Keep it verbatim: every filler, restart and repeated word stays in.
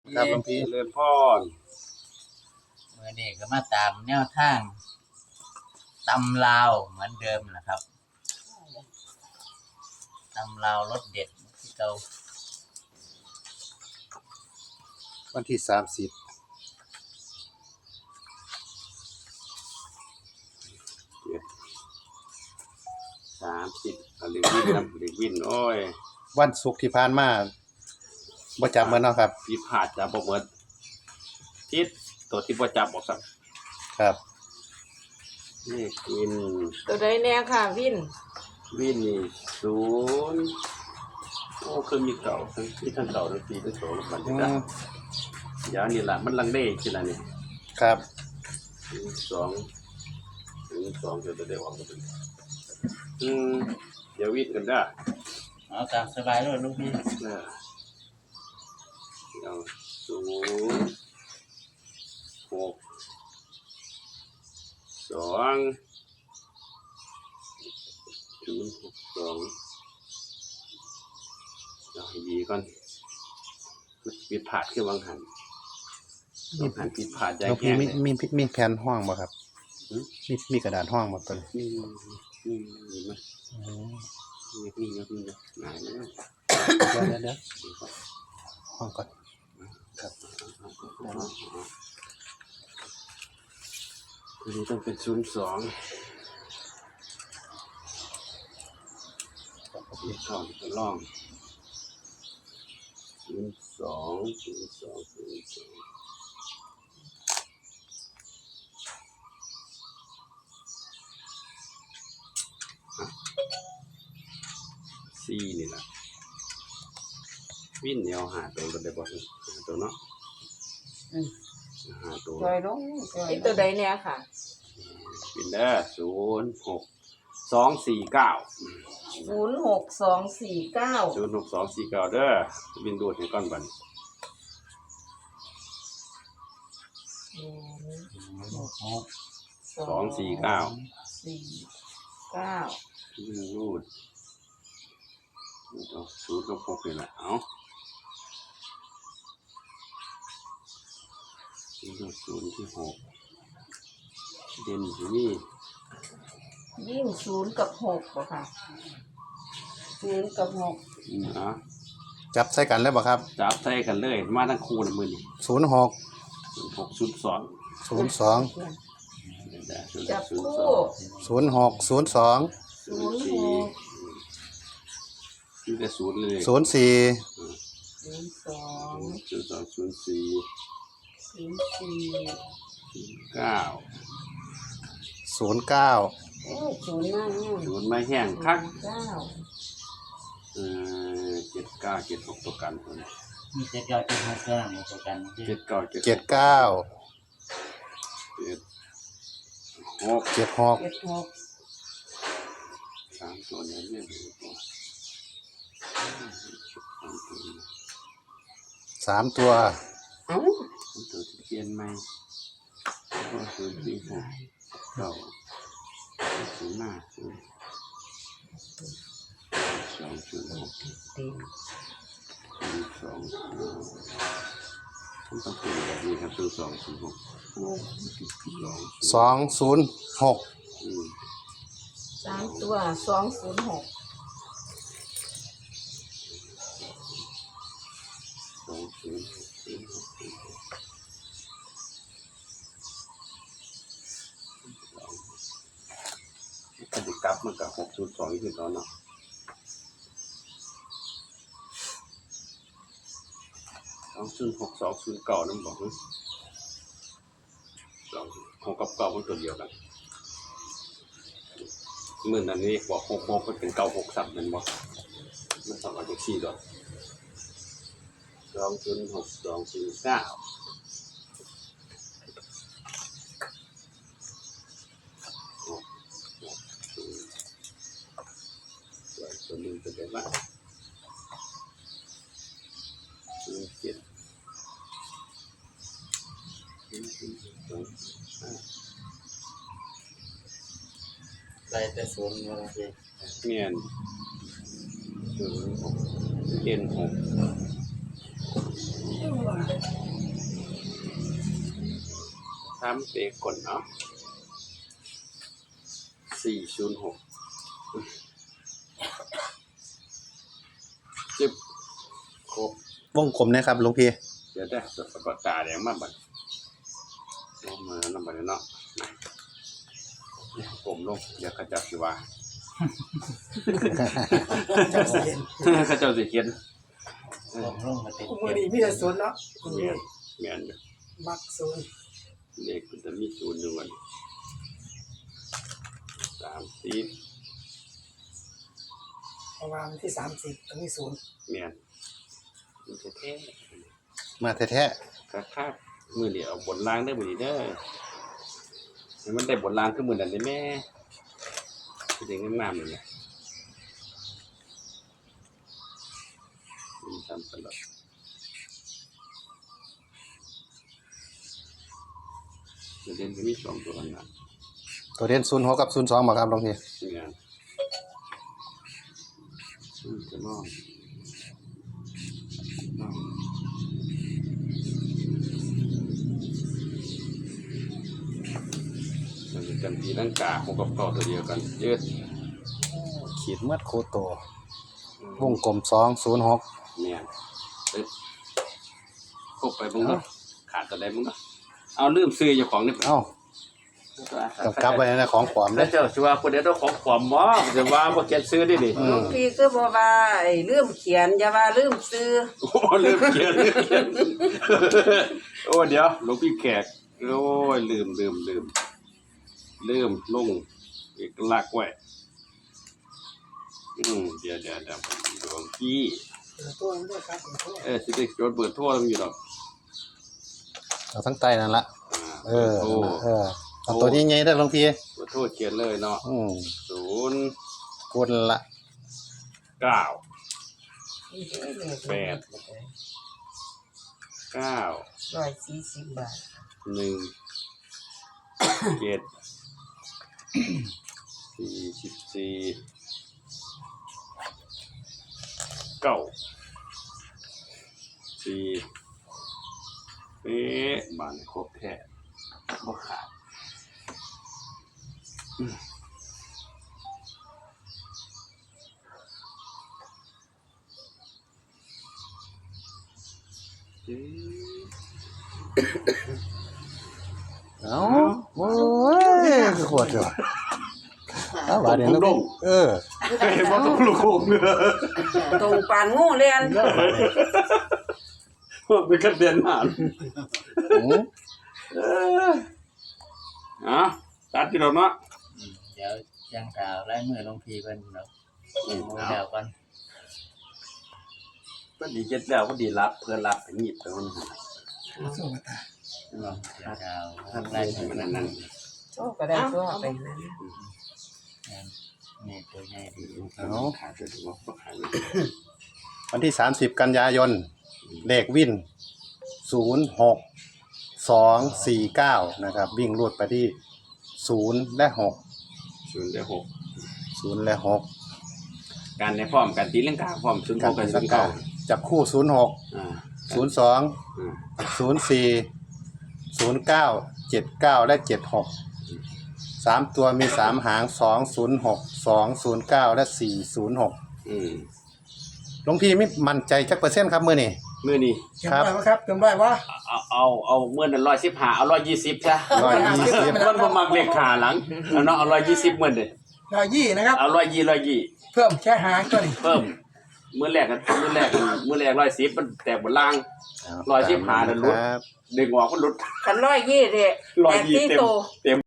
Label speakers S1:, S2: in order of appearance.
S1: ครับหลวงพี่
S2: เลื่อนพร
S3: เมื่อนี้ก็มาตามแนวทางตำลาวเหมือนเดิมนะครับตำลาวรสเด็ดที่เก่า
S1: วันที่สามสิบ
S2: สามสิบหรือวินนะหรือวินโอ้ย
S1: วันศุกร์ที่ผ่านมาบ่จับเหมือนเนาะครับ
S2: พิพาทจะบ่เหมือนทิศตัวที่บ่จับบอกสัก
S1: ครับ
S2: นี่วิน
S4: ตัวใดแน่ค่ะวิน
S2: วินนี่ศูนย์โอ้คือมีเก่าทั้งที่ทั้งเก่าทั้งปีทั้งโสมมันจะเดี๋ยวนี่แหละมันลังเลทีละนี่
S1: ครับ
S2: สองถึงสองจะได้ออกมาเป็นอืมเดี๋ยววินกันได้
S3: เอาตามสบายเลยลูกพี่
S2: เอาศูนย์หกสองศูนย์หกสองเอาให้ดีก่อนปิดผาดขึ้นวางหันวางหันปิดผาดใหญ่แค่
S1: มีมีมีแผ่นห้องบ่ครับมีมีกระดาษห้องบ่ตัวนี้
S2: มีมีมีมั้ยอ๋อมีมีมีมีหลายแล้ว
S1: เดี๋ยวเดี๋ยวห้องก่อนครับ
S2: อันนี้ต้องเป็นศูนย์สองอีกข้อจะล่องศูนย์สองศูนย์สองศูนย์สองสี่นี่แหละวิ่นเหนียวหาตัวก็ได้บ่หาตัวเนาะหาตัว
S4: จอยลงอีตัวใดแน่ค่ะ
S2: วิ่นเด้อศูนย์หกสองสี่เก้า
S4: ศูนย์หกสองสี่เก้า
S2: ศูนย์หกสองสี่เก้าเด้อวิ่นดูดให้ก้อนบันสองสี่เก้า
S4: สี่เก้า
S2: วิ่นรูดศูนย์กับหกนี่แหละเอาศูนย์ศูนย์ที่หกเด่นที่นี่
S4: ยิ่งศูนย์กับหกป่ะค่ะศูนย์กับหก
S2: นะ
S1: จับใส่กันเลยบ่ครับ
S2: จับใส่กันเลยมาทั้งคู่นะมือนี่
S1: ศูนย์หก
S2: หกศูนย์สอง
S1: ศูนย์สอง
S4: จับคู่
S1: ศูนย์หกศูนย์สอง
S4: ศูนย์หก
S2: นี่แต่ศูนย์เลย
S1: ศูนย์สี่
S4: ศูนย์สอง
S2: ศูนย์สองศูนย์สี่
S4: ศูนย์สี่
S2: เก้า
S1: ศูนย์เก้า
S4: โอ้ศูนย์นั่ง
S2: ศูนย์ไม่แห้งคัก
S4: เก้า
S2: เออเจ็ดเก้าเจ็ดหกตัวกัน
S3: มีเจ็ดเก้าเจ็ดหกตัวตัวกัน
S2: เจ็ดเก้า
S1: เจ็ดเก้า
S2: เจ็ดหก
S1: เจ็ดหก
S4: เจ็ดหก
S2: สามตัวนี้เนี่ย
S1: สามตัว
S4: เอ้า
S2: ตัวที่เขียนไหมก็ศูนย์สี่หกเก้าศูนย์ห้าศูนย์สองศูนย์หกศูนย์สองต้องเป็นแบบนี้ครับศูนย์สองศูนย์หก
S1: สองศูนย์หก
S4: สามตัวสองศูนย์หก
S2: สองศูนย์หกถ้าดิกลับมันกับหกศูนย์สองที่ตอนเนาะสองศูนย์หกสองศูนย์เก่านั่นบอกสองหกกับเก่ามันตัวเดียวกันเมื่อนั้นนี่บอกหกหกมันเป็นเก่าหกสับนั่นบอกมันสองอันจากสี่ดอกสองศูนย์หกสองศูนย์เก้าตัวนึงจะเป็นว่าศูนย์เจ็ดศูนย์ศูนย์สองห้า
S3: ไรแต่ศูนย์มาเลย
S2: เมียนศูนย์หกเจ็ดหกทำเตะกดเนาะสี่ศูนย์หกจิบครบ
S1: วงกลมนะครับหลวงพี่
S2: เดี๋ยวได้จดปากกาแดงมาบัดลงมาน้ำบัดเนาะกลมลงเดี๋ยวเขาจับสิว่าเขาเจ้าสิเขียน
S3: ผมลงมาติด
S5: มือนี้มีแต่ศูนย์เนาะ
S2: เมียนเมียนอยู่
S5: มักศูนย์
S2: เลขมันจะมีศูนย์อยู่วันสามสิบ
S5: เพราะว่าวันที่สามสิบต้องมีศูนย์
S2: เมียนมันจะแท้
S1: มาแท้
S2: กระคาบมือเดียวบนล่างได้อมือนี้เด้อให้มันได้บนล่างขึ้นมือนั่นได้แม่คือเด็กงามๆเลยนะมีทำตลอดเด่นก็มีสองตัวนะ
S1: ๆตัวเด่นศูนย์หกกับศูนย์สองบ่ครับหลวงพี่
S2: เมียนอืมจะมองมองมันจะจำปีร่างกาหกกับเก้าตัวเดียวกันเยอะ
S1: ขีดมัดโคโตวงกลมสองศูนย์หก
S2: เนี่ยเอ๊ะครบไปมึงก็ขาดตัวใดมึงก็เอาลืมซื้อเจ้าของนี่
S1: เอ้าต้องกลับไว้นะของปลอม
S2: แล้
S1: เด้
S2: วเจ้าชัวคนเดียวต้องของขวามบ่จะว่าบ่เขียนซื้อได้ดิ
S1: อื
S4: หลว
S1: ม
S4: งพี่ก็บอกว่าไอ้ลืมเขียนอย่าว่าลืมซื้อ
S2: โอ้ลืมเขียนลืมเขียนโอ้เดี๋ยวหลวงพี่แขกโอ้ยลืมลืมลืมลืมลงเอกลักษณ์ไว้อืมเดี๋ยวเดี๋ยวเดี๋ยวหลวงพี่
S5: เปิดตัวมันด้วยครับเปิดตัว
S2: เออสิได้จดเบิดทั่วมันอยู่ดอก
S1: เอาทั้งใต้นั่นละ
S2: อ่า
S1: เออ
S2: โทร
S1: เออเอาตัวนี้ไงได้อหลวงพี่
S2: เบิดทั่วเขียนเลยเนาะ
S1: อืม
S2: ศูนย์
S1: กดละ
S2: เก้า
S4: แปด
S2: เก้า
S4: ร้อยสี่สิบบาท
S2: หนึ่งเจ็ดสี่สิบสี่เก้าสี่เป๊ะบานครบแท้บ่ขาดอืมเอ๊ะ
S1: เอ้าโอ้ยคือขวดเดียวอ้าวบาดเดียว
S2: ผมดง
S1: เออ
S2: เห็นว่าต้องลูกโป่งเนื้อ
S4: ตรงปานงูเรียน
S2: เป็นกระเด็นหาน
S1: อืม
S2: เอออ่ะตัดที่เราเนาะ
S3: อืมเดี๋ยวจังกล่าวไล่มือหลวงพี่เพิ่นเนาะ
S2: อืม
S3: โอ้
S2: เอา
S3: เดี๋ยวก่อน
S2: ก็ดีเจ็ดแล้วก็ดีรับเพื่อนรับไปหยิบไปมัน
S5: สู้กันตา
S3: เนาะจังกล่าว
S2: ถ้า
S3: ไล่
S2: ไล่
S3: มือ
S2: มันนั่นนั่น
S4: โอ้ก็ได้ตัวไปนั้น
S3: นี่ตัวใหญ่ดี
S2: เอาขาดจะถึงว่าขาดเลย
S1: วันที่สามสิบกันยายนเลขวินศูนย์หกสองสี่เก้านะครับ วิ่งรูดไปที่ศูนย์และหก
S2: ศูนย์ได้หก
S1: ศูนย์และหก
S2: การในพร้อมการตีเรื่องกาพร้อมศูนย์หกกับศูนย์เก้า
S1: จับคู่ศูนย์หก
S2: อ่า
S1: ศูนย์สอง
S2: อ่า
S1: ศูนย์สี่ศูนย์เก้าเจ็ดเก้าและเจ็ดหกสามตัวมีสามหางสองศูนย์หกสองศูนย์เก้าและสี่ศูนย์หก
S2: อืม
S1: หลวงพี่ไม่มั่นใจจักเปอร์เซ็นต์ครับมือนี่
S2: มื่อนี้
S5: เก็บได้ไหมครับเก็บได้วะ
S2: เอาเอาเอาเมื่อนั้นร้อยสิบห้าเอาร้อยยี่สิบใช่
S1: ร้อยยี่สิบ
S2: มันประมาณเลขขาหลังเอาเนาะเอาร้อยยี่สิบเมื่อเด้
S5: ร้อยยี่นะครับ
S2: เอาร้อยยี่ร้อยยี่
S5: เพิ่มแค่หางตัวนี้
S2: เพิ่มมื้อแรกกันมื้อแรกกันมื้อแรกร้อยสิบมันแตกบนล่าง ร้อยสิบห้านั่นลุ้น
S1: ครับ
S2: ดึงออกมันหลุด
S4: คันร้อยยี่เด้
S2: ร้อย
S4: แปด
S2: ยี่
S4: สี่
S2: เต็ม
S4: โต
S2: เต็ม